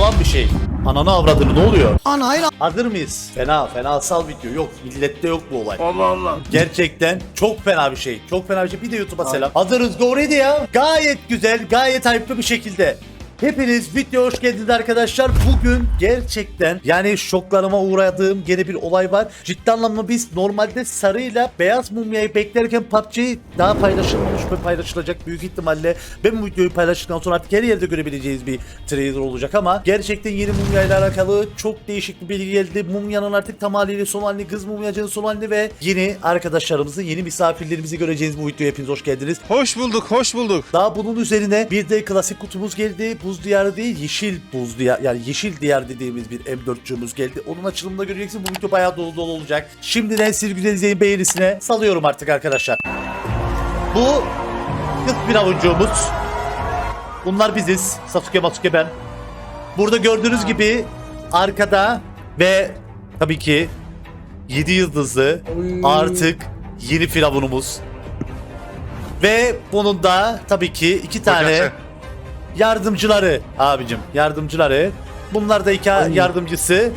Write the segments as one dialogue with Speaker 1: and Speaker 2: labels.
Speaker 1: olan bir şey. Ananı avradını ne oluyor?
Speaker 2: Anayla.
Speaker 1: Hazır mıyız? Fenasal video yok. Millette yok bu olay.
Speaker 3: Allah Allah.
Speaker 1: Gerçekten çok fena bir şey. Çok fena bir şey. Bir de YouTube'a selam. Hazırız doğruydu ya. Gayet güzel, gayet hype'lı bir şekilde. Hepiniz videoya hoş geldiniz arkadaşlar. Bugün gerçekten yani şoklarıma uğradığım gene bir olay var. Ciddi anlamda biz normalde sarıyla beyaz mumyayı beklerken PUBG daha paylaşılmamış ve paylaşılacak büyük ihtimalle. Ben bu videoyu paylaştıktan sonra artık her yerde görebileceğiz bir trailer olacak ama gerçekten yeni mumyayla alakalı çok değişik bir bilgi geldi. Mumyanın artık tam haliyle son halini, kız mumyacının son halini ve yeni arkadaşlarımızı, yeni misafirlerimizi göreceğiz bu videoya. Hepiniz hoş geldiniz.
Speaker 3: Hoş bulduk, hoş bulduk.
Speaker 1: Daha bunun üzerine bir de klasik kutumuz geldi. Buz diyarı değil, yeşil buz diyar, yani yeşil diyar dediğimiz bir M4'cüğümüz geldi. Onun açılımında göreceksin. Bu video bayağı dolu dolu olacak. Şimdiden siz güzel izleyin, beğenisine salıyorum artık arkadaşlar. Bu kız bir avucumuz. Bunlar biziz. Sasuke, Masuke, ben. Burada gördüğünüz gibi arkada ve tabii ki 7 yıldızlı artık yeni firavunumuz. Ve bunun da tabii ki 2 tane
Speaker 3: Hocası.
Speaker 1: yardımcıları abicim, yardımcıları. Bunlar da iki yardımcısı.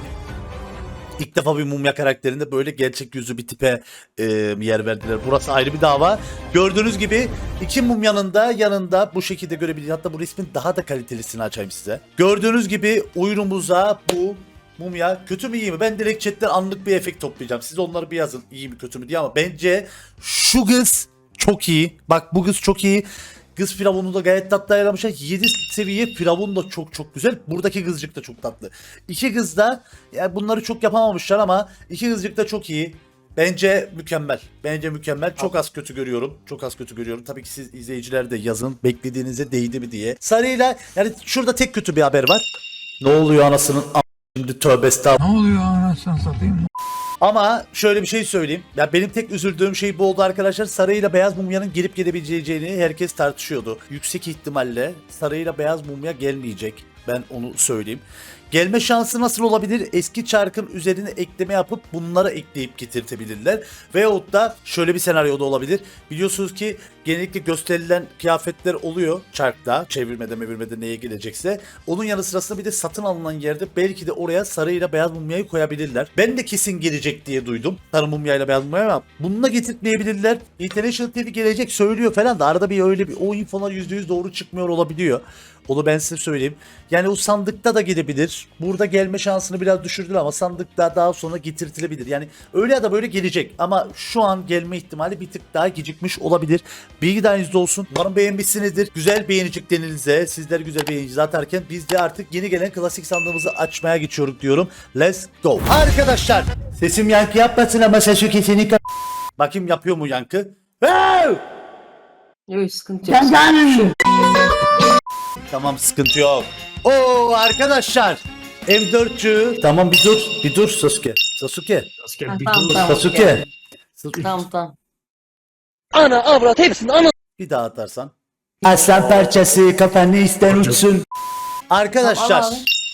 Speaker 1: İlk defa bir mumya karakterinde böyle gerçek yüzü bir tipe yer verdiler. Burası ayrı bir dava. Gördüğünüz gibi iki mumyanın da yanında bu şekilde görebilirsiniz. Hatta bu resmin daha da kalitelisini açayım size. Gördüğünüz gibi oyunumuza bu mumya kötü mü iyi mi? Ben direkt chatten anlık bir efekt toplayacağım. Siz onları bir yazın iyi mi kötü mü diye ama bence şu kız çok iyi. Bak bu kız çok iyi. Kız firavunu da gayet tatlı ayarlamışlar. 7 seviye firavun da çok güzel. Buradaki kızcık da çok tatlı. İki kız da yani bunları çok yapamamışlar ama iki kızcık da çok iyi. Bence mükemmel. Bence mükemmel. Çok az kötü görüyorum. Çok az kötü görüyorum. Tabii ki siz izleyiciler de yazın. Beklediğinize değdi mi diye. Sarıyla yani şurada tek kötü bir haber var. Ne oluyor anasının şimdi tövbe estağfurullah.
Speaker 4: Ne oluyor anasını satayım?
Speaker 1: Ama şöyle bir şey söyleyeyim. Ya benim tek üzüldüğüm şey bu oldu arkadaşlar. Sarıyla beyaz mumyanın gelip gelebileceğini herkes tartışıyordu. Yüksek ihtimalle sarıyla beyaz mumya gelmeyecek. Ben onu söyleyeyim. Gelme şansı nasıl olabilir? Eski çarkın üzerine ekleme yapıp bunları ekleyip getirtebilirler. Veyahut da şöyle bir senaryo da olabilir. Biliyorsunuz ki genellikle gösterilen kıyafetler oluyor çarkta. Çevirmede neye gelecekse. Onun yanı sırasında bir de satın alınan yerde belki de oraya sarıyla beyaz mumyayı koyabilirler. Ben de kesin gelecek diye duydum. Sarı mumyayla beyaz mumya ama bununla getirtmeyebilirler. International TV gelecek söylüyor falan da arada bir öyle bir o infolar %100 doğru çıkmıyor olabiliyor. Onu ben size söyleyeyim. Yani o sandıkta da gelebilir. Burada gelme şansını biraz düşürdüler ama sandıkta daha sonra getirtilebilir. Yani öyle ya da böyle gelecek. Ama şu an gelme ihtimali bir tık daha gecikmiş olabilir. Bilgi dahilinizde olsun. Umarım beğenmişsinizdir. Güzel beğenicik denilse, sizler güzel beğenici atarken biz de artık yeni gelen klasik sandığımızı açmaya geçiyoruz diyorum. Let's go. Arkadaşlar sesim yankı yapmasın ama sesim kesinlikle... Bakayım yapıyor mu yankı?
Speaker 2: Yok sıkıntı yok.
Speaker 1: Tamam sıkıntı yok. Oo arkadaşlar. M4'cü. Tamam bir dur Sasuke. Sasuke. Sasuke.
Speaker 2: Tamam.
Speaker 5: Ana avrat hepsini ana.
Speaker 1: Bir daha atarsan. Aslan parçası kafanı isten uçsun. Arkadaşlar.
Speaker 2: Tamam,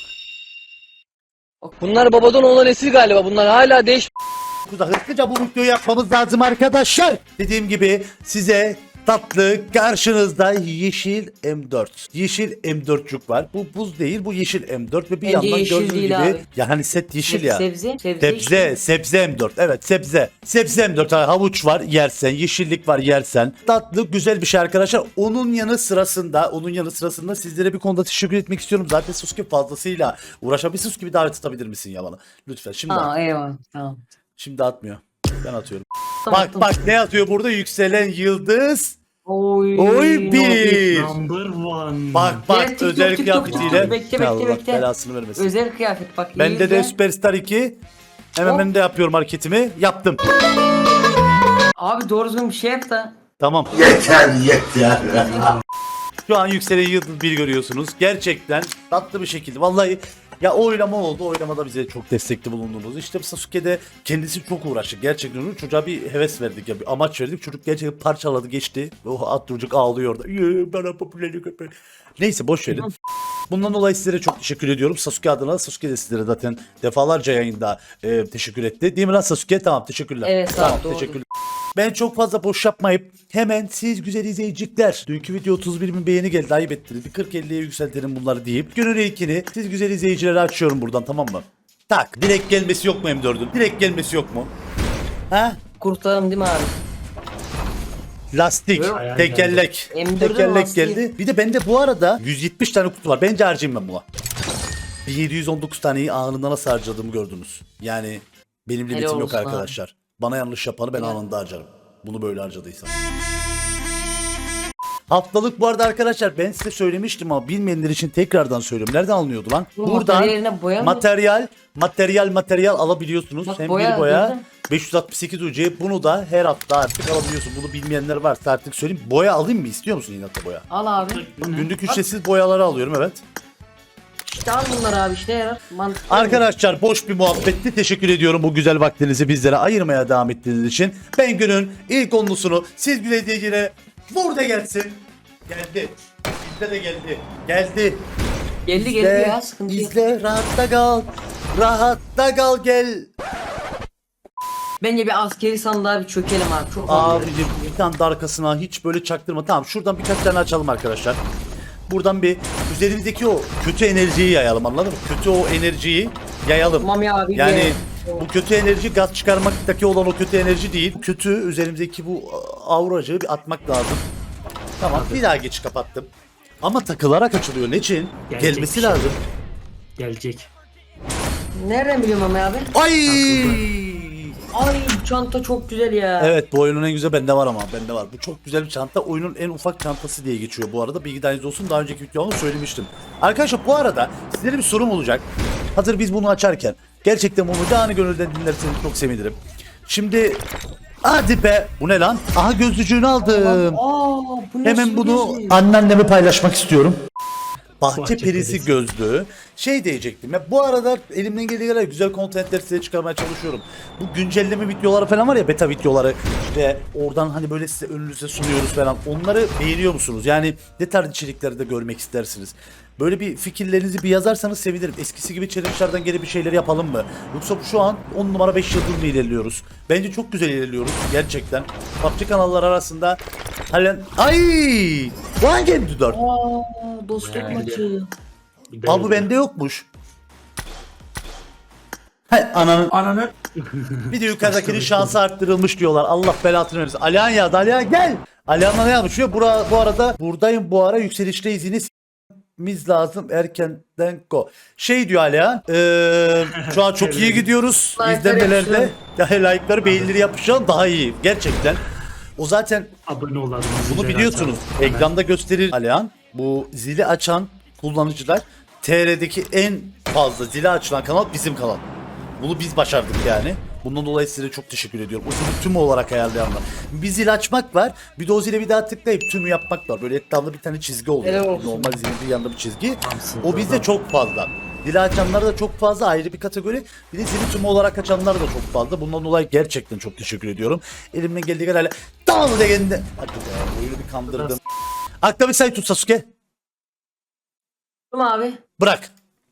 Speaker 5: Bunlar babadan olan nesil galiba. Bunlar hala değiş.
Speaker 1: Hızlıca bu videoyu yapmamız lazım arkadaşlar. Dediğim gibi size tatlı karşınızda yeşil M4. Yeşil M4'cük var. Bu buz değil, bu yeşil M4 ve bir
Speaker 2: Bence
Speaker 1: yandan
Speaker 2: yeşil
Speaker 1: gördüğünüz
Speaker 2: değil
Speaker 1: gibi
Speaker 2: abi.
Speaker 1: yani set yeşil ya.
Speaker 2: Sebze
Speaker 1: M4. Evet sebze M4. Havuç var yersen, yeşillik var yersen. Tatlı güzel bir şey arkadaşlar. Onun yanı sırasında sizlere bir konuda teşekkür etmek istiyorum. Zaten Sasuke fazlasıyla uğraşabilirsiniz gibi davet atabilir misin ya bana? Lütfen şimdi at.
Speaker 2: Eyvallah. Tamam.
Speaker 1: Şimdi atmıyor. Ben atıyorum.
Speaker 2: Tamam.
Speaker 1: Bak ne yazıyor burada? Yükselen yıldız.
Speaker 2: Oy
Speaker 1: Bir.
Speaker 4: Number one.
Speaker 1: Bak
Speaker 2: TikTok,
Speaker 1: özel
Speaker 2: TikTok,
Speaker 1: kıyafetiyle.
Speaker 2: TikTok. Bekle,
Speaker 1: Allah
Speaker 2: bekle.
Speaker 1: belasını vermesin.
Speaker 2: Özel kıyafet bak.
Speaker 1: Bende de
Speaker 2: izle.
Speaker 1: Superstar 2. Hemen
Speaker 2: Hop.
Speaker 1: ben de yapıyorum hareketimi. Yaptım.
Speaker 2: Abi doğru düzgün bir şey yap da.
Speaker 1: Tamam.
Speaker 3: Yeter.
Speaker 1: Şu an yükselen yıldız 1 görüyorsunuz. Gerçekten tatlı bir şekilde. Vallahi ya oylama oldu. Oylamada bize çok destekli bulundunuz. İşte Sasuke'de kendisi çok uğraştı. Gerçekten onu çocuğa bir heves verdik ya bir amaç verdik. Çocuk gerçekten parçaladı geçti. O at çocuk ağlıyor orada. Bana popülerlik yapar. Neyse boş verin. Bundan dolayı sizlere çok teşekkür ediyorum. Sasuke adına. Sasuke de sizlere zaten defalarca yayında teşekkür etti. Değil mi lan Sasuke? Tamam teşekkürler.
Speaker 2: Evet,
Speaker 1: tamam
Speaker 2: doğru.
Speaker 1: teşekkürler. Ben çok fazla boş yapmayıp hemen siz güzel izleyicikler. Dünkü video 31 bin beğeni geldi, ayıp ettiniz. Bir 40-50'ye yükseltelim bunları deyip günün ilkini siz güzel izleyicilere açıyorum buradan, tamam mı? Tak, direkt gelmesi yok mu M4'ün? Direkt gelmesi yok mu? Ha?
Speaker 2: Kurtaralım değil mi abi?
Speaker 1: Lastik,
Speaker 2: Yok.
Speaker 1: tekerlek.
Speaker 2: M4'ün
Speaker 1: Tekerlek
Speaker 2: lastiği.
Speaker 1: geldi. Bir de bende bu arada 170 tane kutu var. Bence harcayayım ben buna. Bir 719 taneyi anında nasıl harcadığımı gördünüz. Yani benim limitim yok
Speaker 2: olsun abi.
Speaker 1: arkadaşlar. Bana yanlış yapanı ben anında harcarım. Bunu böyle harcadıysam. Haftalık bu arada arkadaşlar ben size söylemiştim ama bilmeyenler için tekrardan söylüyorum. Nereden alınıyordu lan?
Speaker 2: Bu
Speaker 1: Buradan
Speaker 2: materyallerine boya mı?
Speaker 1: materyal alabiliyorsunuz.
Speaker 2: Bak,
Speaker 1: Hem
Speaker 2: boya
Speaker 1: bir boya
Speaker 2: gördün.
Speaker 1: 568 UC, bunu da her hafta artık alabiliyorsun. Bunu bilmeyenler varsa artık söyleyeyim. Boya alayım mı? İstiyor musun inatla boya?
Speaker 2: Al abi.
Speaker 1: Günlük ücretsiz boyaları alıyorum, evet.
Speaker 2: İşte al bunları abi, işte yarar. Mantıklı.
Speaker 1: Arkadaşlar boş bir muhabbetti. Teşekkür ediyorum bu güzel vaktinizi bizlere ayırmaya devam ettiğiniz için. Ben günün ilk onlusunu siz güzel burada gelsin. Geldi. Bizde de geldi. Geldi.
Speaker 2: Geldi geldi ya, sıkıntı yok.
Speaker 1: İzle, rahatta kal. Rahatta kal, gel.
Speaker 2: Bence bir askeri sandığa bir çökelim abi. Çok
Speaker 1: Abicim bir tane de arkasına hiç böyle çaktırma. Tamam, şuradan birkaç tane açalım arkadaşlar. Buradan bir üzerimizdeki o kötü enerjiyi yayalım, anladın mı? Kötü o enerjiyi yayalım.
Speaker 2: Mami abi
Speaker 1: Yani
Speaker 2: gel.
Speaker 1: bu kötü enerji gaz çıkarmaktaki olan o kötü enerji değil. Kötü üzerimizdeki bu auracığı bir atmak lazım. Tamam, bir daha geç kapattım. Ama takılarak açılıyor. Ne için?
Speaker 4: Gelecek
Speaker 1: Gelmesi
Speaker 4: bir şey.
Speaker 1: lazım.
Speaker 4: Gelecek.
Speaker 2: Nereden biliyorum Mami abi?
Speaker 1: Ay!
Speaker 2: Ay bu çanta çok güzel ya.
Speaker 1: Evet, bu oyunun en güzel bende var ama bende var. Bu çok güzel bir çanta. Oyunun en ufak çantası diye geçiyor bu arada. Bilgi dahiliniz olsun. Daha önceki videomda söylemiştim. Arkadaşlar bu arada sizlere bir sorum olacak. Hazır biz bunu açarken. Gerçekten bunu canı gönülden dinlerseniz çok sevinirim. Şimdi hadi be. Bu ne lan? Aha, gözlücüğünü aldım.
Speaker 2: Aa, bu nasıl
Speaker 1: Hemen
Speaker 2: bir
Speaker 1: bunu
Speaker 2: gözlük?
Speaker 1: anneanneme paylaşmak istiyorum. Bahçe
Speaker 4: Bahçe
Speaker 1: perisi
Speaker 4: perisi.
Speaker 1: gözlüğü. Şey diyecektim ya, bu arada elimden geldiği kadar güzel kontentler size çıkarmaya çalışıyorum. Bu güncelleme videoları falan var ya, beta videoları, işte oradan hani böyle size önünüze sunuyoruz falan. Onları beğeniyor musunuz? Yani ne tarz içerikleri de görmek istersiniz? Böyle bir fikirlerinizi bir yazarsanız sevinirim. Eskisi gibi challenge'lardan geri bir şeyler yapalım mı? Yoksa şu an 10 numara 5 yıldız mı ilerliyoruz? Bence çok güzel ilerliyoruz gerçekten. PUBG kanallar arasında halen... Ay! Bu hangi M4?
Speaker 2: Aa, dostluk maçı.
Speaker 1: Aa, bu bende yokmuş. Hay ananın. Bir de yukarıdakinin şansı arttırılmış diyorlar. Allah belasını versin. Alihan ya, Alihan gel. Alihan'la ne yapmış? Bu arada buradayım, bu ara yükselişte iziniz lazım erkenden go. Şey diyor Alihan. Şu an çok iyi gidiyoruz.
Speaker 2: Like'ları
Speaker 1: İzlenmelerde.
Speaker 2: yapıştırın.
Speaker 1: Ya like'ları, beğenileri yapışan daha iyi. Gerçekten. O zaten
Speaker 4: Abone olalım.
Speaker 1: bunu
Speaker 4: zilleri
Speaker 1: biliyorsunuz.
Speaker 4: açalım.
Speaker 1: Ekranda gösterir Alihan. Bu zili açan kullanıcılar TR'deki en fazla zili açılan kanal bizim kanal. Bunu biz başardık yani. Bundan dolayı size çok teşekkür ediyorum. O zili tümü olarak ayarlayanlar. Bir zil açmak var. Bir de o zile bir daha tıklayıp tümü yapmak var. Böyle etrafında bir tane çizgi oluyor.
Speaker 2: Helal olsun.
Speaker 1: Normal zilin bir yanında bir çizgi.
Speaker 4: Tamsın,
Speaker 1: O bizde
Speaker 4: tamam.
Speaker 1: çok fazla. Zili açanlar da çok fazla, ayrı bir kategori. Bir de zili tümü olarak açanlar da çok fazla. Bundan dolayı gerçekten çok teşekkür ediyorum. Elimden geldiği kadar tamam de kendine. Hadi be, oyunu bir kandırdım. Akla bir sayı tut Sasuke.
Speaker 2: Tamam abi.
Speaker 1: Bırak.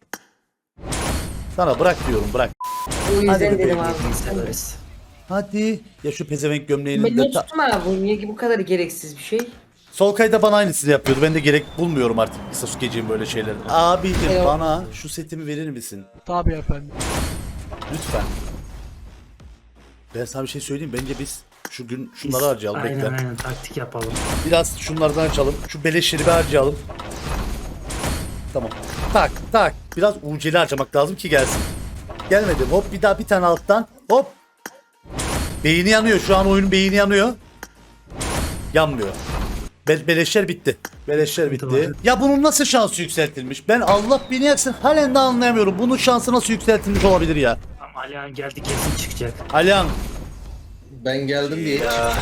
Speaker 1: Sana bırak diyorum, bırak.
Speaker 2: O yüzden
Speaker 1: Hadi
Speaker 2: dedim
Speaker 1: be,
Speaker 2: abi.
Speaker 4: severiz.
Speaker 1: Hadi. Ya şu pezevenk
Speaker 2: Ben
Speaker 1: gömleğinin
Speaker 2: ne
Speaker 1: de...
Speaker 2: tuttum abi? Bu niye ki bu kadar gereksiz bir şey?
Speaker 1: Solkay da bana aynısını yapıyordu. Ben de gerek bulmuyorum artık Sasuke'ciğim böyle şeyler. Abicim
Speaker 2: Evet.
Speaker 1: bana şu setimi verir misin?
Speaker 5: Tabii efendim.
Speaker 1: Lütfen. Ben sana bir şey söyleyeyim. Bence biz şu gün şunları harcayalım.
Speaker 4: Aynen
Speaker 1: Bekle.
Speaker 4: aynen taktik yapalım.
Speaker 1: Biraz şunlardan açalım. Şu beleşleri bir harcayalım. Tamam. Tak tak. Biraz uceli harcamak lazım ki gelsin. Gelmedi. Hop, bir daha bir tane alttan. Hop. Beyni yanıyor. Şu an oyunun beyni yanıyor. Yanmıyor. Beleşler bitti. Beleşler bitti.
Speaker 4: Tamam.
Speaker 1: Ya bunun nasıl şansı yükseltilmiş? Ben Allah beni yaksın halen de anlayamıyorum. Bunun şansı nasıl yükseltilmiş olabilir ya?
Speaker 4: Ama Alihan geldi, kesin çıkacak.
Speaker 1: Alihan.
Speaker 3: Ben geldim diye.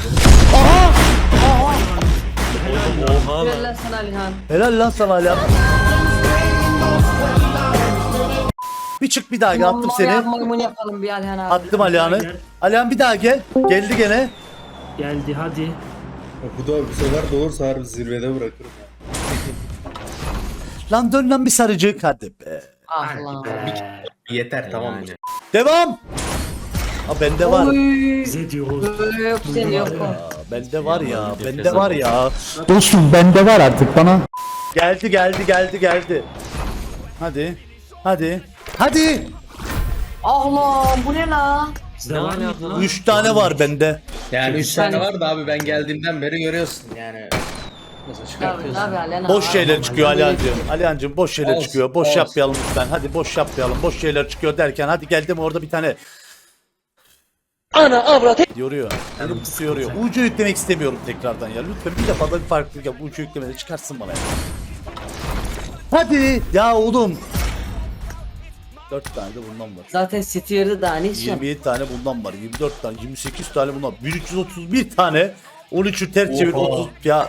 Speaker 2: Ver lan sana Alihan.
Speaker 1: Helal lan sana Alihan. Bir çık bir daha gel, attım seni.
Speaker 2: Maymun yapalım bir Alihan abi.
Speaker 1: Attım Alihan'ı.
Speaker 4: Gel.
Speaker 1: Alihan bir daha gel. Geldi gene.
Speaker 4: Geldi hadi.
Speaker 3: Bu da bu sefer de olursa harbi zirvede bırakırım.
Speaker 1: Lan dön lan bir sarıcık. Hadi be.
Speaker 2: Ah
Speaker 4: Hadi
Speaker 2: lan.
Speaker 4: be.
Speaker 3: Yeter tamam mı?
Speaker 1: Devam. Ha bende var.
Speaker 2: Oy.
Speaker 4: Bize diyoruz.
Speaker 2: Yok sen yok o.
Speaker 1: Aa, bende var ya. Bende var ya. Dostum bende var artık bana. Geldi. Hadi. Hadi.
Speaker 2: Ah lan bu ne la?
Speaker 4: Bizde var mıydı lan?
Speaker 1: 3 tane var bende.
Speaker 3: Yani 3
Speaker 2: Sen-
Speaker 3: tane var da abi ben geldiğimden beri görüyorsun yani. Nasıl
Speaker 2: Tabii
Speaker 3: çıkartıyorsun?
Speaker 2: tabii Alena.
Speaker 1: Boş şeyler çıkıyor Alihan'cığım. Alihan'cığım boş şeyler
Speaker 3: Olsun,
Speaker 1: çıkıyor. Boş
Speaker 3: olsun.
Speaker 1: yapmayalım lütfen. Hadi boş yapmayalım. Boş şeyler çıkıyor derken hadi geldim orada bir tane
Speaker 5: Ana avrat
Speaker 1: yoruyor. Elim tutuyor yoruyor. Ucu yüklemek istemiyorum tekrardan ya. Lütfen bir defa da bir farklılık yap. Ucu yüklemede çıkarsın bana ya. Hadi ya oğlum. 4 tane de bundan var.
Speaker 2: Zaten seti yarıda daha ne istiyorsun?
Speaker 1: 27 tane bundan var. 24 tane, 28 tane bundan. 1331 tane. 13'ü ters çevir 30 ya.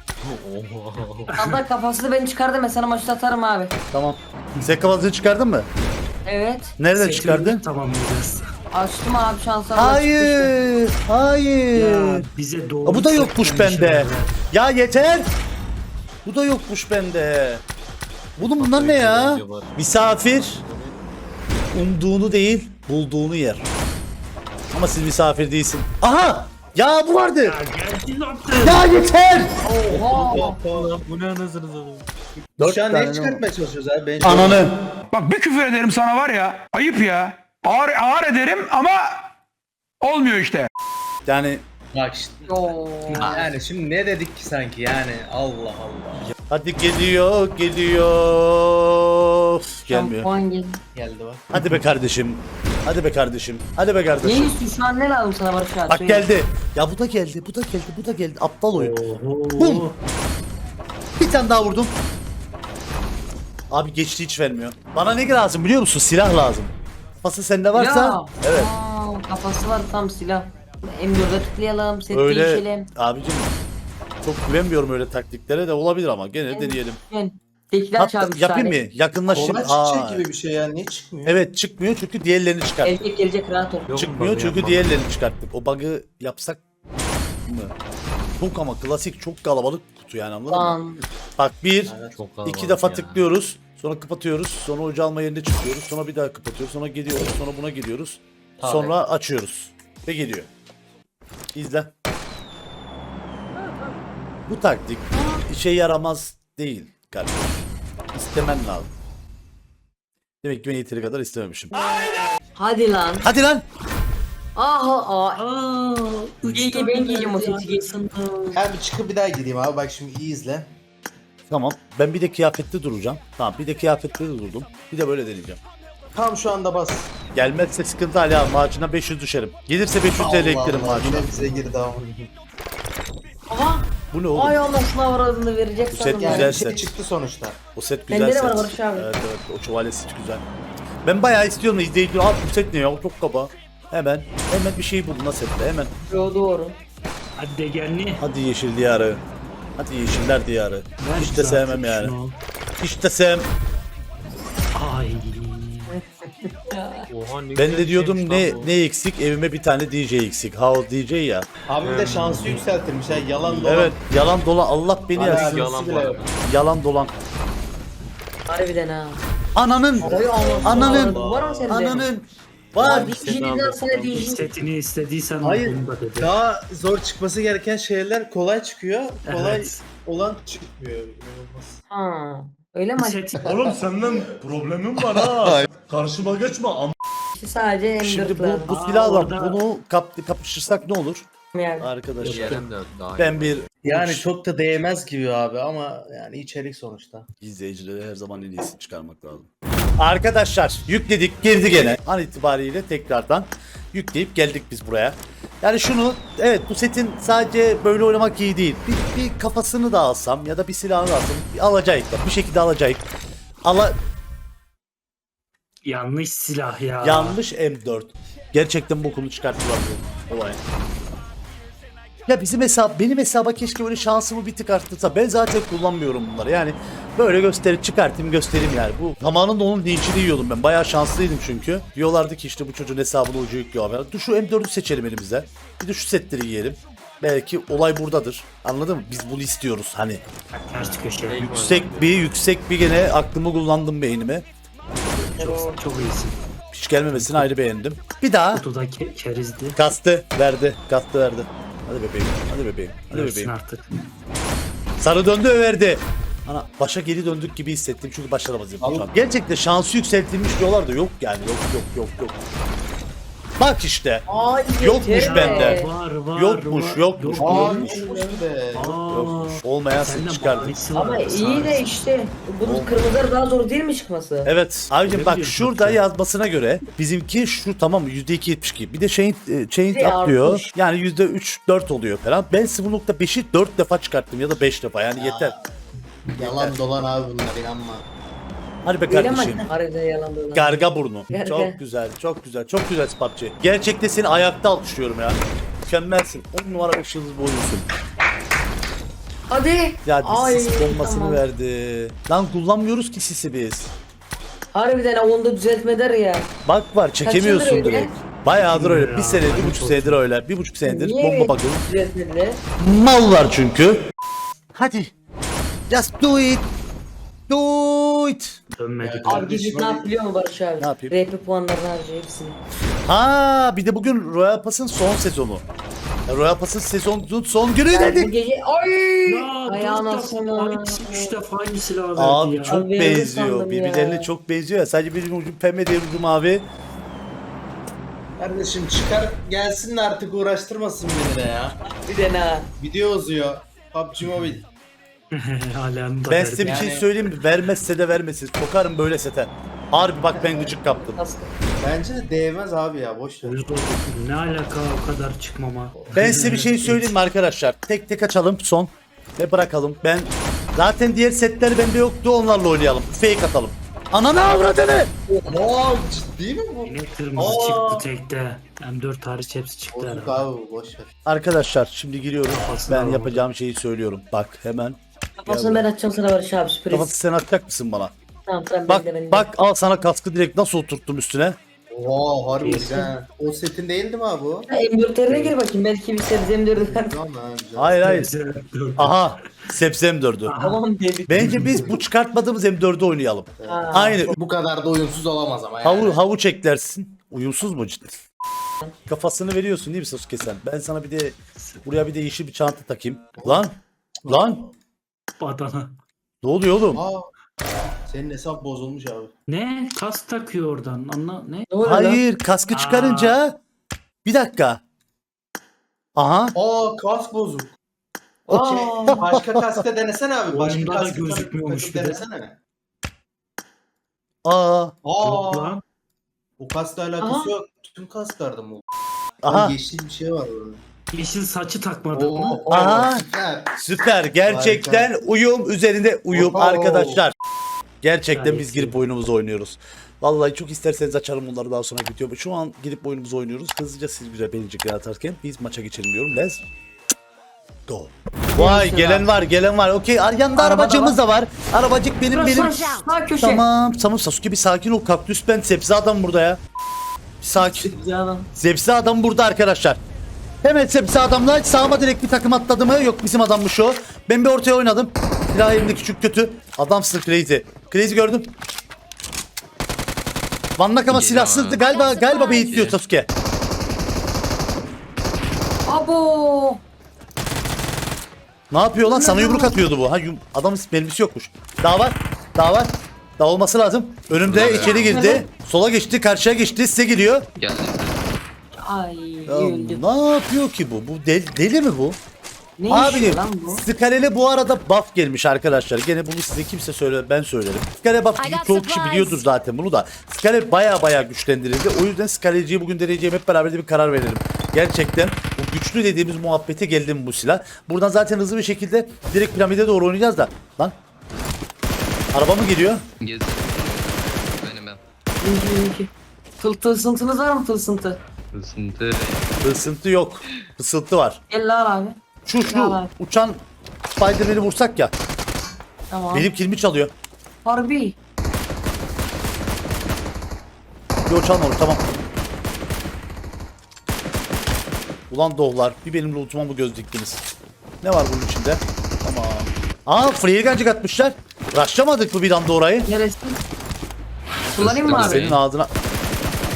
Speaker 2: Abla kafasını ben çıkardım ben sana maçta atarım abi.
Speaker 1: Tamam. Sen kafasını çıkardın mı?
Speaker 2: Evet.
Speaker 1: Nereden
Speaker 4: Setini
Speaker 1: çıkardın?
Speaker 4: tamamlayacağız.
Speaker 2: Açtım abi şanslar.
Speaker 1: Hayır.
Speaker 4: Ya
Speaker 1: Hayır.
Speaker 4: bize doğru.
Speaker 1: Aa, bu da yokmuş
Speaker 4: setlenmiş
Speaker 1: bende.
Speaker 4: şeyler.
Speaker 1: Ya yeter. Bu da yokmuş bende. Bunlar ne ya? Misafir umduğunu değil, bulduğunu yer. Ama siz misafir değilsin. Aha! Ya bu vardı.
Speaker 4: Ya geldi lan.
Speaker 1: Ya yeter.
Speaker 2: Oha.
Speaker 6: Bu ne anasını satayım?
Speaker 3: Biz şu an
Speaker 1: tane
Speaker 3: neyi çıkartmaya çalışıyoruz abi? Ben
Speaker 1: Ananı.
Speaker 7: Bak bir küfür ederim sana var ya. Ayıp ya. Ağır ederim ama olmuyor işte.
Speaker 1: Yani
Speaker 3: Bak işte.
Speaker 2: Oo.
Speaker 3: Yani şimdi ne dedik ki sanki yani Allah Allah.
Speaker 1: hadi geliyor. Üf, gelmiyor.
Speaker 2: Şampuan geldi.
Speaker 3: Geldi bak.
Speaker 1: Hadi be kardeşim. Hadi be kardeşim. Hadi be
Speaker 2: Ne
Speaker 1: kardeşim.
Speaker 2: istiyorsun şu an ne lazım sana Barış abi?
Speaker 1: Bak
Speaker 2: Söyle.
Speaker 1: geldi. Ya bu da geldi. Bu da geldi. Bu da geldi. Aptal oyun.
Speaker 4: Oho.
Speaker 1: Bum. Bir tane daha vurdum. Abi geçti hiç vermiyor. Bana ne lazım biliyor musun? Silah lazım. Kafası sende varsa.
Speaker 2: Ya.
Speaker 1: Evet.
Speaker 2: Aa, kafası var tam silah. M4'e tıklayalım, set
Speaker 1: Öyle
Speaker 2: değişelim.
Speaker 1: abicim. Çok güvenmiyorum öyle taktiklere de olabilir ama gene deneyelim.
Speaker 2: Ben tekrar
Speaker 1: Hatta
Speaker 2: çağırmış
Speaker 1: yapayım
Speaker 2: tane.
Speaker 1: mı? Yakınlaşayım.
Speaker 3: Kolay çıkacak gibi bir şey ya. Niye çıkmıyor?
Speaker 1: Evet çıkmıyor çünkü diğerlerini çıkarttık.
Speaker 2: Erkek gelecek rahat ol.
Speaker 6: Yok,
Speaker 1: Çıkmıyor
Speaker 6: bug'ı
Speaker 1: çünkü
Speaker 6: yapmam.
Speaker 1: diğerlerini çıkarttık. O bug'ı yapsak mı? Çok ama klasik çok kalabalık kutu yani anladın mı?
Speaker 2: Lan.
Speaker 1: Bak bir,
Speaker 6: Çok kalabalık
Speaker 1: iki defa
Speaker 6: ya.
Speaker 1: tıklıyoruz. Sonra kapatıyoruz. Sonra ocağı alma yerine çıkıyoruz. Sonra bir daha kapatıyoruz. Sonra gidiyoruz. Sonra buna gidiyoruz.
Speaker 3: Tabii.
Speaker 1: Sonra açıyoruz. Ve geliyor. İzle. Bu taktik işe yaramaz değil kardeşim. İstemen lazım. Demek ki ben yeteri kadar istememişim.
Speaker 2: Hadi lan.
Speaker 1: Hadi lan.
Speaker 2: Ah
Speaker 4: Aa,
Speaker 2: Gel ben giyeceğim o seti giysin.
Speaker 3: Ben bir çıkıp bir daha gireyim abi. Bak şimdi iyi izle.
Speaker 1: Tamam. Ben bir de kıyafetli duracağım. Tamam bir de kıyafetli de durdum. Bir de böyle deneyeceğim.
Speaker 3: Tam şu anda bas.
Speaker 1: Gelmezse sıkıntı hala maaşına 500 düşerim. Gelirse 500 TL eklerim
Speaker 3: Allah,
Speaker 1: maaşına.
Speaker 3: yine bize girdi ama.
Speaker 2: Aha.
Speaker 1: Bu ne oğlum?
Speaker 2: Ay Allah sınav aradığını verecek
Speaker 1: Bu set
Speaker 2: sandım.
Speaker 1: güzel
Speaker 3: Yani bir
Speaker 1: set.
Speaker 3: şey çıktı sonuçta.
Speaker 1: O set güzel
Speaker 2: Bende de
Speaker 1: set.
Speaker 2: var Barış abi.
Speaker 1: Evet evet o şövalye set güzel. Ben bayağı istiyorum da izleyici abi bu set ne ya o çok kaba. Hemen bir şey buldum nasıl sette hemen.
Speaker 2: Yo doğru.
Speaker 4: hadi de gelni.
Speaker 1: Hadi yeşil diyarı. Hadi yeşiller diyarı.
Speaker 4: Ver
Speaker 1: Hiç de
Speaker 4: bize
Speaker 1: sevmem
Speaker 4: artık
Speaker 1: yani.
Speaker 4: şunu.
Speaker 1: Hiç de sevmem.
Speaker 4: Ay.
Speaker 6: Oha, ne
Speaker 1: Ben
Speaker 6: güzel
Speaker 1: de diyordum
Speaker 6: şeymiş lan bu.
Speaker 1: ne eksik evime bir tane DJ eksik. House DJ ya.
Speaker 3: Abi bir de şansı yükseltirmiş ha. Yalan dolan.
Speaker 1: Evet yalan dolan Allah beni
Speaker 3: Hala
Speaker 1: yazsın.
Speaker 6: Yalan bu
Speaker 3: bile
Speaker 6: arada.
Speaker 3: yok.
Speaker 1: Yalan dolan.
Speaker 2: Harbiden ha.
Speaker 1: Ananın.
Speaker 2: Oy Allah.
Speaker 1: Ananın.
Speaker 2: Var mı sende?
Speaker 1: Ananın. Var.
Speaker 2: Abi şimdiden sana
Speaker 4: Bir
Speaker 2: diyeceğim.
Speaker 4: setini istediysen
Speaker 3: Hayır.
Speaker 4: bunu da dedi.
Speaker 3: Daha zor çıkması gereken şeyler kolay çıkıyor. Kolay
Speaker 4: Evet.
Speaker 3: olan çıkmıyor. İnanılmaz.
Speaker 2: Ha. Öyle mi?
Speaker 4: Set
Speaker 8: Oğlum senden problemim var ha. Karşıma geçme
Speaker 2: Sadece M4
Speaker 1: Şimdi
Speaker 2: lazım.
Speaker 1: bu silahla
Speaker 4: orada-
Speaker 1: bunu kapışırsak ne olur?
Speaker 2: Yani.
Speaker 1: Arkadaşlar
Speaker 6: Diğerim de daha iyi.
Speaker 1: ben bir
Speaker 3: Yani çok da değmez gibi abi ama yani içerik sonuçta.
Speaker 1: izleyicilere her zaman en iyisini çıkarmak lazım. Arkadaşlar yükledik girdi gene. An itibariyle tekrardan yükleyip geldik biz buraya. Yani şunu evet bu setin sadece böyle oynamak iyi değil. Bir kafasını da alsam ya da bir silahını da alsam alacağız da bir şekilde alacağız.
Speaker 4: yanlış silah ya.
Speaker 1: Yanlış M4. Gerçekten bokunu çıkarttılar bu olay. Ya benim hesaba keşke böyle şansımı bir tık arttırsa. Ben zaten kullanmıyorum bunları. Yani böyle göstereyim yani. Bu zamanında onun linçini yiyordum ben. Bayağı şanslıydım çünkü. Diyorlardı ki işte bu çocuğun hesabını ucu yüklüyor abi. Dur şu M4'ü seçelim elimize. Bir de şu setleri yiyelim. Belki olay buradadır. Anladın mı? Biz bunu istiyoruz hani.
Speaker 4: Ters köşe.
Speaker 1: Yüksek bir gene aklımı kullandım beynime.
Speaker 4: Çok iyisin.
Speaker 1: Hiç gelmemesini ayrı beğendim. Bir daha.
Speaker 4: Kutuda kerizdi.
Speaker 1: Kastı verdi. Kastı verdi. Hadi bebeğim. Hadi bebeğim. Hadi
Speaker 4: Versin
Speaker 1: bebeğim.
Speaker 4: artık.
Speaker 1: Sarı döndü verdi. Ana başa geri döndük gibi hissettim çünkü başaramazdım şu an. Gerçekten şansı yükseltilmiş diyorlar da yok yani yok. Bak işte.
Speaker 2: Ay,
Speaker 1: Yokmuş
Speaker 2: yeter.
Speaker 1: bende.
Speaker 4: Var.
Speaker 1: Yokmuş.
Speaker 3: Yokmuş
Speaker 1: Olmayan
Speaker 4: Sende
Speaker 1: çıkardı.
Speaker 4: bahanesi var.
Speaker 2: Ama iyi de işte bunun kırmızıları daha zor değil mi çıkması?
Speaker 1: Evet. Abicim
Speaker 4: Ne
Speaker 1: bak
Speaker 4: biliyorsun
Speaker 1: şurada
Speaker 4: sen?
Speaker 1: yazmasına göre bizimki şu tamam mı %2.72. Bir de chain
Speaker 2: Bir
Speaker 1: atlıyor.
Speaker 2: artmış.
Speaker 1: Yani %3-4 oluyor falan. Ben 0.5'i 4 defa çıkarttım ya da 5 defa yani yeter.
Speaker 3: Yalan dolan abi bunlar inanma.
Speaker 1: Hadi be
Speaker 2: Değil ama
Speaker 1: kardeşim.
Speaker 2: harbiden yalan dolan.
Speaker 1: Garga burnu.
Speaker 2: Garga.
Speaker 1: Çok güzel, çok güzel, çok güzel PUBG. Gerçekte seni ayakta alkışlıyorum ya. Mükemmelsin. 10 numara ışığınız boyunsun.
Speaker 2: Hadi.
Speaker 1: Ya
Speaker 2: Ay,
Speaker 1: sis bombasını
Speaker 2: tamam.
Speaker 1: verdi. Lan kullanmıyoruz ki sisi biz.
Speaker 2: Harbiden onu da düzeltmeler ya.
Speaker 1: Bak var çekemiyorsun
Speaker 2: Kaç yıldır
Speaker 1: direkt. Bayağıdır öyle. Bir
Speaker 4: Ya,
Speaker 1: sene, bir
Speaker 4: lanet
Speaker 1: buçuk
Speaker 4: olsun.
Speaker 1: senedir öyle. Bir buçuk senedir
Speaker 2: Niye
Speaker 1: bomba bakıyorum.
Speaker 2: düzeltmediler?
Speaker 1: Mallar çünkü. Hadi. Just do it. Do it.
Speaker 4: Dönmedik.
Speaker 2: Abi gidip ne yap biliyor musun Barış abi?
Speaker 1: Ne yapayım?
Speaker 2: RP puanlarını harcıyor hepsini.
Speaker 1: Ha, bir de bugün Royal Pass'ın son sezonu. Royal Pass'ın sezonun son günü
Speaker 2: Bu
Speaker 1: dedik.
Speaker 2: gece ay
Speaker 4: Ya
Speaker 2: ayağına
Speaker 4: 4 defa
Speaker 2: asana.
Speaker 4: aynı, 3 defa aynı silahı verdi
Speaker 1: Abi
Speaker 4: ya.
Speaker 1: çok
Speaker 2: Abi,
Speaker 1: benziyor.
Speaker 2: sandım
Speaker 1: Birbirlerine
Speaker 2: ya.
Speaker 1: çok benziyor ya. Sadece birinin ucu pembe diğer ucu mavi.
Speaker 3: Kardeşim çıkar gelsin de artık uğraştırmasın beni de ya.
Speaker 2: Bir de ne?
Speaker 3: Video uzuyor. PUBG Mobile.
Speaker 4: Halen da
Speaker 1: Ben
Speaker 4: verdi.
Speaker 1: size bir şey
Speaker 3: Yani-
Speaker 1: söyleyeyim mi? Vermezse de vermesin. Kokarım böyle sete. Harbi bak ben gıcık kaptım.
Speaker 2: Nasıl?
Speaker 3: Bence de değmez abi ya boş ver.
Speaker 4: Yüz oldu. Ne alaka o kadar çıkmama.
Speaker 1: Ben size bir şey söyleyeyim mi arkadaşlar? Tek tek açalım son. Ve bırakalım. Ben zaten diğer setler bende yoktu. Onlarla oynayalım. Fake atalım. Ananı avradını.
Speaker 3: Aa ciddi mi bu?
Speaker 4: Yine kırmızı
Speaker 3: Aa.
Speaker 4: çıktı tekte. M4 hariç hepsi çıktı
Speaker 3: Bozuk
Speaker 4: herhalde.
Speaker 3: abi boş ver.
Speaker 1: Arkadaşlar şimdi giriyorum.
Speaker 4: Kafasına
Speaker 1: Ben
Speaker 4: vurdu.
Speaker 1: yapacağım şeyi söylüyorum. Bak hemen.
Speaker 2: Kafasını ben açacağım sana Barış abi sürpriz.
Speaker 1: Kafası sen atacak mısın bana?
Speaker 2: Tamam tamam
Speaker 1: Bak
Speaker 2: bekle beni.
Speaker 1: bak al sana kaskı direkt nasıl oturttum üstüne.
Speaker 3: Oha harbi ha. O setin değildi mi abi o?
Speaker 2: M4'lerine gir bakayım belki bir sebzem dördüler.
Speaker 3: Tamam ha güzel.
Speaker 1: Hayır hayır. Aha. Sepsi M4'ü.
Speaker 2: Tamam dedik.
Speaker 1: Bence biz bu çıkartmadığımız M4'ü oynayalım.
Speaker 2: Ha.
Speaker 1: Aynı.
Speaker 3: Bu kadar da uyumsuz olamaz ama yani.
Speaker 1: Havuç eklersin. Uyumsuz mu cidden? Kafasını veriyorsun değil mi Sasuke sen? Ben sana bir de buraya bir de yeşil bir çanta takayım. Lan
Speaker 4: Badana.
Speaker 1: ne oluyor oğlum?
Speaker 3: Aa, senin hesap bozulmuş abi.
Speaker 4: Ne? Kas takıyor oradan. Anla ne?
Speaker 2: Ne oluyor lan?
Speaker 1: Hayır kaskı çıkarınca bir dakika. Aha.
Speaker 3: Aa kask bozuk.
Speaker 2: Aa.
Speaker 3: Başka kaskta denesene abi. Başka
Speaker 4: Oyunda da
Speaker 3: kaskta
Speaker 4: gözükmüyormuş
Speaker 3: takıp
Speaker 4: bir de.
Speaker 3: denesene.
Speaker 1: Aa.
Speaker 4: Yok
Speaker 3: Aa.
Speaker 4: lan.
Speaker 3: O kaskla alakası
Speaker 2: Aha.
Speaker 3: yok. Tüm kasklarda mı?
Speaker 1: Aha.
Speaker 3: Yeşil bir şey var orada.
Speaker 4: Yeşil saçı takmadı mı?
Speaker 3: Oo,
Speaker 1: Aha.
Speaker 3: süper.
Speaker 1: Süper. Gerçekten uyum üzerinde uyum
Speaker 3: Oho.
Speaker 1: arkadaşlar. Gerçekten
Speaker 4: Gayet
Speaker 1: biz girip
Speaker 4: iyi.
Speaker 1: oyunumuzu oynuyoruz. Vallahi çok isterseniz açarım bunları daha sonra video. Şu an girip oyunumuzu oynuyoruz. Hızlıca siz güzel beğenecekler atarken biz maça geçelim diyorum. Let's go. Vay gelen var. Okey yanında arabacığımız da var. Arabacık benim.
Speaker 2: Sağ köşe.
Speaker 1: Tamam Sasuke bir sakin ol. Kaktüs ben sebze adam burada ya. Bir sakin.
Speaker 2: Canım.
Speaker 1: Sebze adam burada arkadaşlar. Hemen sebze adamla sağıma direkt bir takım atladı mı? Yok bizim adammış o. Ben bir ortaya oynadım. Silah elimde küçük kötü. Adamsın Crazy. Crazy gördüm. Vannak ama silahsızdı. Galiba beyitliyor Sasuke.
Speaker 2: Abo.
Speaker 1: Ne yapıyor lan? Sana yumruk atıyordu bu. Adamın mermisi yokmuş. Daha var. Daha olması lazım. Önümde içeri girdi. Sola geçti, karşıya geçti. Size geliyor.
Speaker 2: Ay
Speaker 1: Ya,
Speaker 2: öldüm.
Speaker 1: ne yapıyor ki bu? Bu deli mi bu?
Speaker 2: Ne
Speaker 1: Abi
Speaker 2: işi lan bu?
Speaker 1: Skalele bu arada buff gelmiş arkadaşlar. Gene bunu size kimse söyle ben söylerim. Skale buff çoğu kişi biliyordur zaten bunu da. Skale baya güçlendirildi. O yüzden Skaleci'yi bugün deneyeceğim hep beraber de bir karar verelim. Gerçekten bu güçlü dediğimiz muhabbete geldi mi bu silah? Buradan zaten hızlı bir şekilde direkt piramide doğru oynayacağız da. Lan. Araba mı geliyor?
Speaker 6: Gez. Benim ben.
Speaker 2: İyi. Tılsıntınız var mı tılsıntı?
Speaker 6: Isıntı.
Speaker 1: Isıntı yok. Fısıltı var.
Speaker 2: Gel lan abi.
Speaker 1: Şu
Speaker 2: Ya.
Speaker 1: uçan Spiderman'i vursak ya.
Speaker 2: Tamam.
Speaker 1: Benim kilimi çalıyor.
Speaker 2: Harbi.
Speaker 1: Yok çalma onu tamam. Ulan doğular bir benim lootuma mı göz diktiniz? Ne var bunun içinde? Tamam. Aa free gancık atmışlar. Raşlamadık mı bir anda orayı?
Speaker 2: Neresi? Kullanayım mı abi?
Speaker 1: Senin ağzına.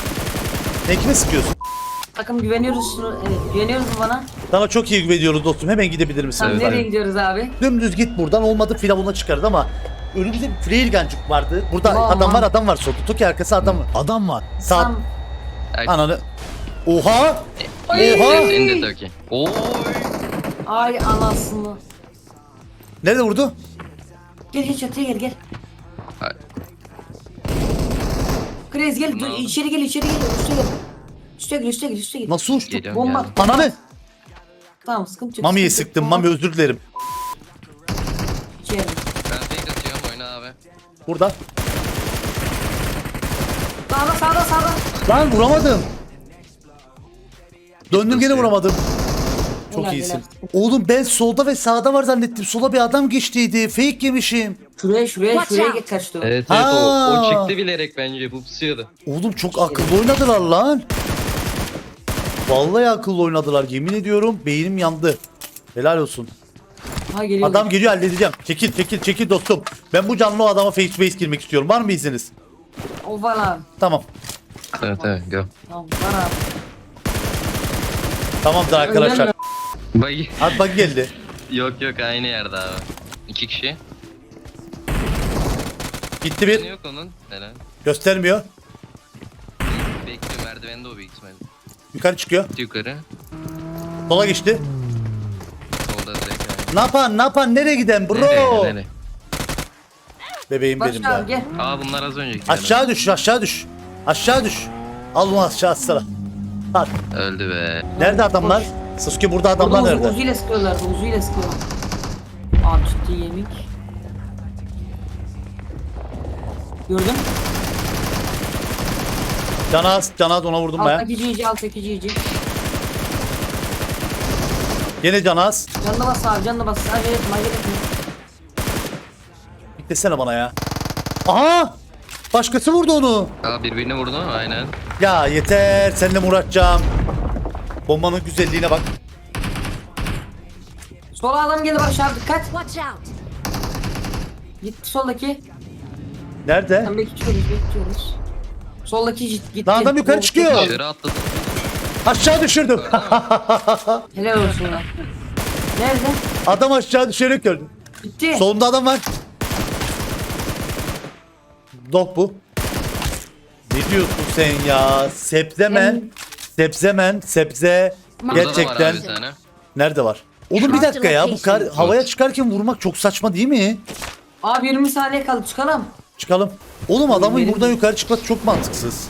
Speaker 1: Ne kime sıkıyorsun?
Speaker 2: Takım güveniyoruz. Evet, güveniyoruz mu bana?
Speaker 1: Sana çok iyi güveniyoruz dostum. Hemen gidebilir misin?
Speaker 2: Tamam,
Speaker 6: Evet.
Speaker 2: nereye gidiyoruz abi?
Speaker 1: Dümdüz git buradan, olmadı firavuna çıkardı ama önümüzde bir freelgancık vardı. Burada
Speaker 2: Tamam.
Speaker 1: adam var solda. Toki arkası adam var. Adam var. Sağ
Speaker 2: Tam.
Speaker 1: ananı. Oha!
Speaker 6: Yes, in the Turkey. Oy.
Speaker 2: Ay anasını.
Speaker 1: Nerede vurdu?
Speaker 2: Gel çatıya gel.
Speaker 6: Ay.
Speaker 2: Krez gel dur, içeri gel üste gel. Üste gel.
Speaker 1: Nasıl uçtu?
Speaker 6: Geliyorum,
Speaker 2: Bomba.
Speaker 6: geldim.
Speaker 1: Ananı!
Speaker 2: Tamam sıkıntı yok.
Speaker 1: Mami'ye
Speaker 2: sıkıntı yok.
Speaker 1: sıktım. Mami özür dilerim.
Speaker 2: İçeri.
Speaker 6: Ben fake atıyorum, oyna abi.
Speaker 1: Burada.
Speaker 2: Sağda.
Speaker 1: Lan vuramadım. Döndüm gene vuramadım. Çok
Speaker 2: Helal,
Speaker 1: iyisin.
Speaker 2: helal.
Speaker 1: Oğlum ben solda ve sağda var zannettim. Sola bir adam geçtiydi. Fake yemişim.
Speaker 2: Şuraya geç kaçtı.
Speaker 6: Evet
Speaker 1: Ha.
Speaker 6: o çıktı bilerek bence, bu pusuyordu.
Speaker 1: Oğlum çok akıllı oynadılar lan. Vallahi akıllı oynadılar. Yemin ediyorum beynim yandı. Helal olsun.
Speaker 2: Ha geliyor.
Speaker 1: Adam geliyor, halledeceğim. Çekil dostum. Ben bu canlı o adama face to face girmek istiyorum. Var mı izniniz?
Speaker 2: O var abi.
Speaker 1: Tamam.
Speaker 6: Evet go.
Speaker 2: Tamam var abi.
Speaker 1: Tamamdır arkadaşlar.
Speaker 6: Bagi.
Speaker 1: Hadi bak geldi.
Speaker 6: Yok aynı yerde abi. 2 kişi.
Speaker 1: Gitti
Speaker 6: Ne
Speaker 1: bir.
Speaker 6: yok onun? Helal.
Speaker 1: Göstermiyor.
Speaker 6: Bekliyor, merdivende o büyük ihtimalle.
Speaker 1: Yukarı çıkıyor.
Speaker 6: Gitti yukarı.
Speaker 1: Sola geçti.
Speaker 6: Solda direkt yani.
Speaker 1: Ne yapan? Nereye giden bro?
Speaker 6: Nereye?
Speaker 1: Bebeğim
Speaker 2: Barış
Speaker 1: benim
Speaker 2: abi
Speaker 1: be.
Speaker 2: gel.
Speaker 6: Aa bunlar az önceki.
Speaker 1: Aşağı düş. Al onu aşağı atsana. Al.
Speaker 6: Öldü be.
Speaker 1: Nerede adamlar? Sasuke burada adamlar
Speaker 2: Burada
Speaker 1: nerede?
Speaker 2: Uzi'yle sıkıyorlar. Abi ciddi yemek. Gördün?
Speaker 1: Canaz ona vurdum baya.
Speaker 2: Alttaki GG.
Speaker 1: Gene Canaz.
Speaker 2: Canına bas. Acele etme.
Speaker 1: Beklesene bana ya. Aha! Başkası vurdu onu.
Speaker 6: Aa birbirini vurdu mu? Aynen.
Speaker 1: Ya yeter, seninle mi uğraşacağım? Bombanın güzelliğine bak.
Speaker 2: Sola adam geldi Barış abi dikkat.
Speaker 9: Watch out!
Speaker 2: Gitti soldaki.
Speaker 1: Nerede?
Speaker 2: Tam bekliyoruz. Soldaki gitti.
Speaker 1: Lan adam yukarı çıkıyor.
Speaker 6: Dışarı atladı.
Speaker 1: Aşağı düşürdüm.
Speaker 2: Helal olsun ya. Nerede?
Speaker 1: Adam aşağı düşerek öldü.
Speaker 2: Gitti.
Speaker 1: Solunda adam var. Dok bu. Ne diyorsun sen ya? Sebze.
Speaker 6: Burada
Speaker 1: Gerçekten.
Speaker 6: da var abi bir tane.
Speaker 1: Nerede var? Oğlum bir dakika ya, bu kar havaya çıkarken vurmak çok saçma değil mi?
Speaker 2: Abi 20 saniye kaldı çıkalım.
Speaker 1: Çıkalım. Oğlum adamın
Speaker 2: Benim-
Speaker 1: buradan yukarı çıkması çok mantıksız.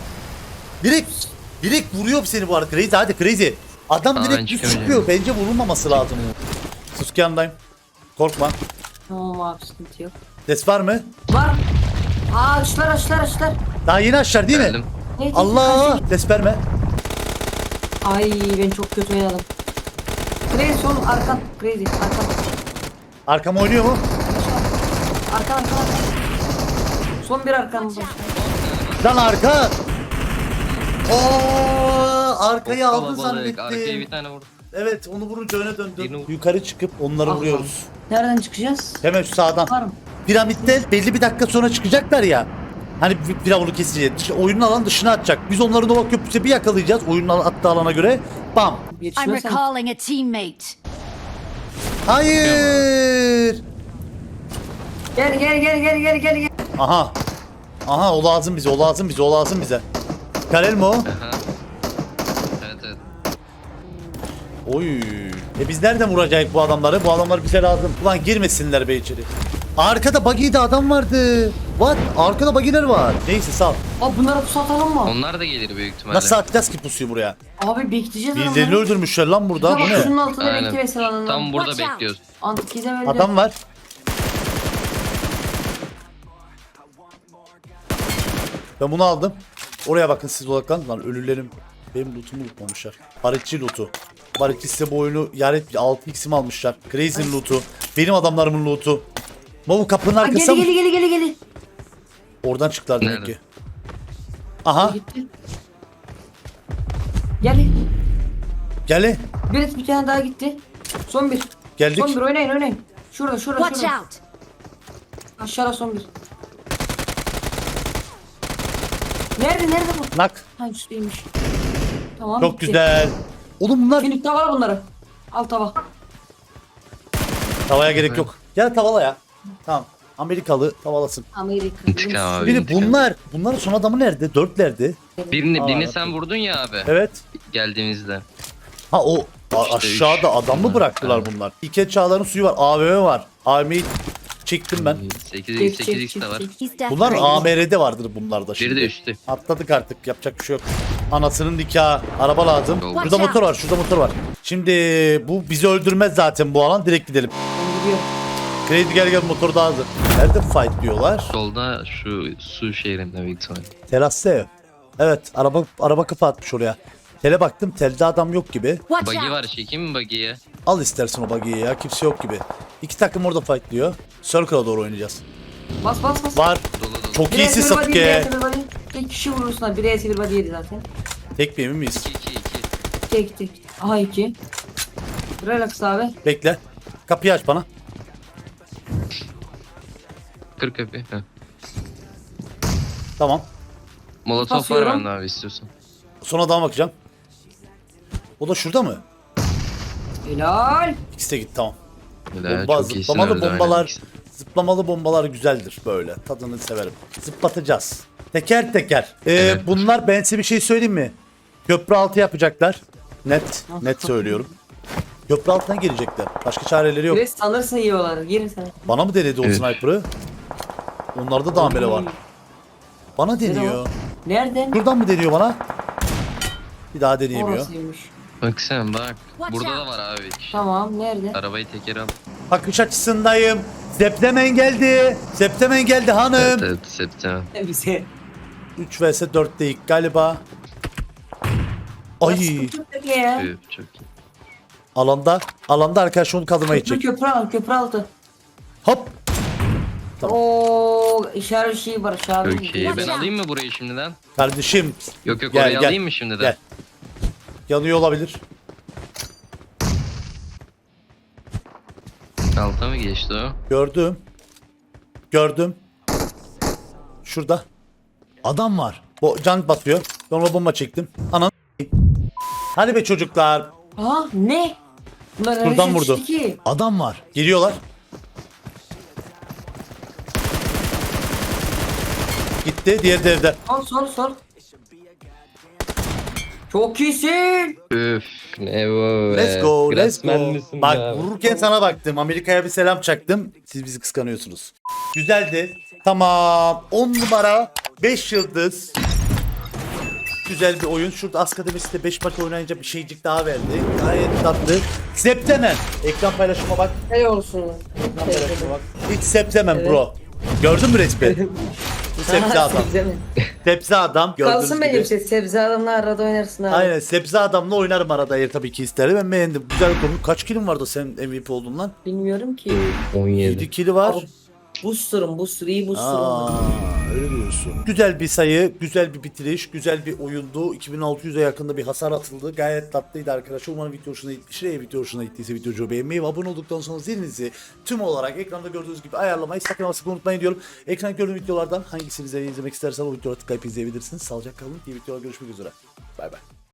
Speaker 1: Direkt vuruyor seni bu arada Crazy. Hadi Crazy. Adam
Speaker 6: Aa, ben
Speaker 1: direkt düz
Speaker 6: çıkamayacağım.
Speaker 1: çıkıyor. Bence vurulmaması lazım. Sasuke yanındayım. Korkma.
Speaker 2: Tamam abi sıkıntı yok.
Speaker 1: Ses var mı?
Speaker 2: Var. Açlar.
Speaker 1: Daha yeni aşağı değil mi?
Speaker 6: Geldim.
Speaker 2: Neydi?
Speaker 1: Allah! Ses verme.
Speaker 2: Ay ben çok kötü oynadım. Crazy sol arkan.
Speaker 1: Arkam oynuyor mu?
Speaker 2: Arkan. Son bir arkan.
Speaker 1: Lan arka! Arkayı aldın
Speaker 6: Kalabalık. Arkaya bir
Speaker 1: zannettim.
Speaker 6: tane vurdu.
Speaker 1: Evet, onu vurunca öne döndüm.
Speaker 6: Birini vur.
Speaker 1: Yukarı çıkıp onları
Speaker 2: Ah,
Speaker 1: vuruyoruz.
Speaker 2: Nereden çıkacağız?
Speaker 1: Hemen şu sağdan.
Speaker 2: Var mı?
Speaker 1: Piramitte belli bir dakika sonra çıkacaklar ya. Hani firavunu keseceğiz. Oyunun alan dışına atacak. Biz onları Nova Köprüsü'ne bir yakalayacağız. Oyunun attığı alana göre. Bam.
Speaker 9: I'm
Speaker 2: Yetişmezsen.
Speaker 9: recalling a teammate.
Speaker 1: Hayır.
Speaker 2: Gel.
Speaker 1: Aha o lazım bize. Karel mi o?
Speaker 6: Aha. Evet.
Speaker 1: Oy. Biz nereden vuracağız bu adamları? Bu adamlar bize lazım. Ulan girmesinler be içeri. Arkada buggy'de adam vardı. What? Arkada buggy'ler var. Neyse sal.
Speaker 2: Abi bunlara pusu atalım mı?
Speaker 6: Onlar da gelir büyük ihtimalle.
Speaker 1: Nasıl atacağız ki pusuyu buraya?
Speaker 2: Abi bekleyeceğiz
Speaker 1: Birilerini öldürmüşler lan burada. Bu
Speaker 2: Tamam
Speaker 1: ne?
Speaker 2: şunun altında
Speaker 6: Aynen.
Speaker 2: bekle mesela.
Speaker 6: Tam burada
Speaker 9: Watch out.
Speaker 6: bekliyoruz.
Speaker 2: Antikize böyle.
Speaker 1: Adam var. Ben bunu aldım. Oraya bakın siz odaklanın. Lan ölülerim. Benim lootumu unutmamışlar. Barışçı lootu. Barışçı size bu oyunu yar et. 6x'imi almışlar. Crazy'nin lootu. Benim adamlarımın lootu. Mavu kapının
Speaker 2: Aa,
Speaker 1: arkasına mı?
Speaker 2: geli.
Speaker 1: Oradan çıktılar demek
Speaker 6: Nerede?
Speaker 1: ki. Aha.
Speaker 2: Gitti. Gel.
Speaker 1: Gel.
Speaker 2: Bir tane daha gitti. Son bir.
Speaker 1: Geldik.
Speaker 2: Son bir oynayın. Şurada.
Speaker 9: Watch out!
Speaker 2: Aşağıda son bir. Nerede bu?
Speaker 1: Nak.
Speaker 2: Ha üstteymiş. Tamam.
Speaker 1: Çok güzel. Oğlum bunlar
Speaker 2: Şimdi tavala bunları. Al tava.
Speaker 1: tavaya gerek yok. Gel tavala ya. Tamam. Amerikalı tavalasın.
Speaker 2: Amerika.
Speaker 6: İntikam abi.
Speaker 1: Bir de
Speaker 6: intikam.
Speaker 1: bunların son adamı nerede? Dörtlerdi.
Speaker 6: Birini
Speaker 1: Aa,
Speaker 6: sen vurdun ya abi.
Speaker 1: Evet.
Speaker 6: Geldiğimizde.
Speaker 1: Ha o
Speaker 6: İşte
Speaker 1: aşağıda
Speaker 6: üç.
Speaker 1: adam mı bıraktılar
Speaker 6: Evet.
Speaker 1: bunlar? İlket çağların suyu var. AVM var. AVM'yi çektim ben.
Speaker 6: 8x de var.
Speaker 1: Bunlar AMR'de vardır bunlarda
Speaker 6: Biri
Speaker 1: şimdi.
Speaker 6: de üstü.
Speaker 1: Atladık artık. Yapacak bir şey yok. Anasının nikahı. Araba lazım.
Speaker 6: Watch
Speaker 1: Şurada
Speaker 2: out.
Speaker 1: motor var. Şurada motor var. Şimdi bu bizi öldürmez zaten bu alan. Direkt gidelim.
Speaker 2: Ben gidiyorum.
Speaker 1: Crazy gel motor daha hazır. Nerede fight diyorlar?
Speaker 6: Solda şu su şehrinde büyük ihtimalle.
Speaker 1: Terasta ev. Evet araba kapı atmış oraya. Tele baktım telde adam yok gibi.
Speaker 6: Buggy var, çekeyim mi buggy'ye?
Speaker 1: Al istersen o buggy'yi ya kimse yok gibi. İki takım orada fight diyor. Circle'a doğru oynayacağız.
Speaker 2: Bas bas bas.
Speaker 1: Var.
Speaker 6: Dolu dolu.
Speaker 1: Çok
Speaker 2: Bir
Speaker 1: iyisin
Speaker 2: S1 body, bir
Speaker 1: Sasuke.
Speaker 2: S1 body. Tek kişi vurursun ha. Bir S1 body yedi zaten.
Speaker 1: Tek mi emin miyiz?
Speaker 6: 2.
Speaker 2: Tek. Aha 2. Relax abi.
Speaker 1: Bekle. Kapıyı aç bana.
Speaker 6: 40 kapı. Heh.
Speaker 1: Tamam.
Speaker 6: Molotof var
Speaker 2: Basıyorum.
Speaker 6: bende abi istiyorsan.
Speaker 1: Son adama bakacağım. O da şurada mı?
Speaker 2: Helal.
Speaker 1: İkisi de gitti tamam.
Speaker 6: Öyle,
Speaker 1: Bomba,
Speaker 6: çok iyisin
Speaker 1: zıplamalı
Speaker 6: öldü, aynen.
Speaker 1: bombalar, zıplamalı bombalar güzeldir böyle. Tadını severim. Zıplatacağız. Teker teker.
Speaker 6: Evet.
Speaker 1: Bunlar ben size bir şey söyleyeyim mi? Köprü altı yapacaklar. Net söylüyorum. Köprü altına gelecekler. Başka çareleri yok.
Speaker 2: Bir sanırsın yiyorlar. Girin sen.
Speaker 1: Bana mı denedi o
Speaker 6: Evet.
Speaker 1: sniper'ı? Onlarda da amele var. Bana deniyor.
Speaker 2: Nereden?
Speaker 1: Şuradan mı deniyor bana? Bir daha deneyemiyor.
Speaker 2: Orasıymış.
Speaker 6: Bak sen bak. Burada da var abi.
Speaker 2: Tamam nerede?
Speaker 6: Arabayı teker al.
Speaker 1: Bakış açısındayım. Zeplemen geldi. Zeplemen geldi hanım.
Speaker 6: Evet evet septem.
Speaker 2: Bize.
Speaker 1: 3 vs 4 değil galiba. Ay
Speaker 2: Sıkıntı yok ya.
Speaker 6: Çok iyi.
Speaker 1: alanda arkadaş onu kaldırmaya gidecek.
Speaker 2: Köprü altı.
Speaker 1: Hop. Tamam.
Speaker 2: Oo işaret şeyi var aşağıda.
Speaker 6: Çok iyi. Ben alayım mı burayı şimdiden?
Speaker 1: Kardeşim
Speaker 6: Yok yok
Speaker 1: Gel,
Speaker 6: orayı
Speaker 1: gel.
Speaker 6: alayım mı şimdiden?
Speaker 1: gel. Yanıyor olabilir.
Speaker 6: Alta mı geçti o?
Speaker 1: Gördüm. Şurada. Adam var. Can batıyor. Ben ona bomba çektim. Anan. Hadi be çocuklar.
Speaker 2: Aha ne? Bunlar nereye
Speaker 1: Buradan vurdu.
Speaker 2: çekişti ki?
Speaker 1: Adam var. Geliyorlar. Gitti. Diğeri de evde.
Speaker 2: Sol. Çok iyisin.
Speaker 6: Üf ne bu be.
Speaker 1: Let's go. Let's
Speaker 6: Grassman
Speaker 1: go.
Speaker 6: misin
Speaker 1: Bak
Speaker 6: be abi?
Speaker 1: vururken sana baktım. Amerika'ya bir selam çaktım. Siz bizi kıskanıyorsunuz. Güzeldi. Tamam. 10 numara. 5 yıldız. Güzel bir oyun. Şurada Askademisi de 5 maç oynayınca bir şeycik daha verdi. Gayet tatlı. Septemen. Ekran paylaşıma bak.
Speaker 2: Ne olsun.
Speaker 1: Ekran paylaşıma bak. Hiç septemen bro. Gördün mü resmi? Bu sebze adam.
Speaker 2: Sebze mi?
Speaker 1: Sebze adam. Gördüğünüz
Speaker 2: Kalsın
Speaker 1: gibi.
Speaker 2: benim sebze adamla arada oynarsın abi.
Speaker 1: Aynen sebze adamla oynarım arada eğer tabii ki isterim. Ben beğendim. Güzel konu. Kaç kilim vardı sen MVP oldun lan?
Speaker 2: Bilmiyorum ki.
Speaker 6: 17.
Speaker 1: 7 kili var.
Speaker 2: Booster iyi booster'ım.
Speaker 1: Aa, öyle diyorsun. Güzel bir sayı, güzel bir bitiriş, güzel bir oyundu. 2600'e yakında bir hasar atıldı. Gayet tatlıydı arkadaşlar. Umarım video hoşuna gitmiştir. Eğer video hoşuna gittiyse videoyu beğenmeyi ve abone olduktan sonra zilinizi tüm olarak ekranda gördüğünüz gibi ayarlamayı sakın ama sakın unutmayın diyorum. Ekranda gördüğüm videolardan hangisini izlemek istersen o videoları tıklayıp izleyebilirsiniz. Sağlıcakla kalın. İyi videolar görüşmek üzere. Bay bay.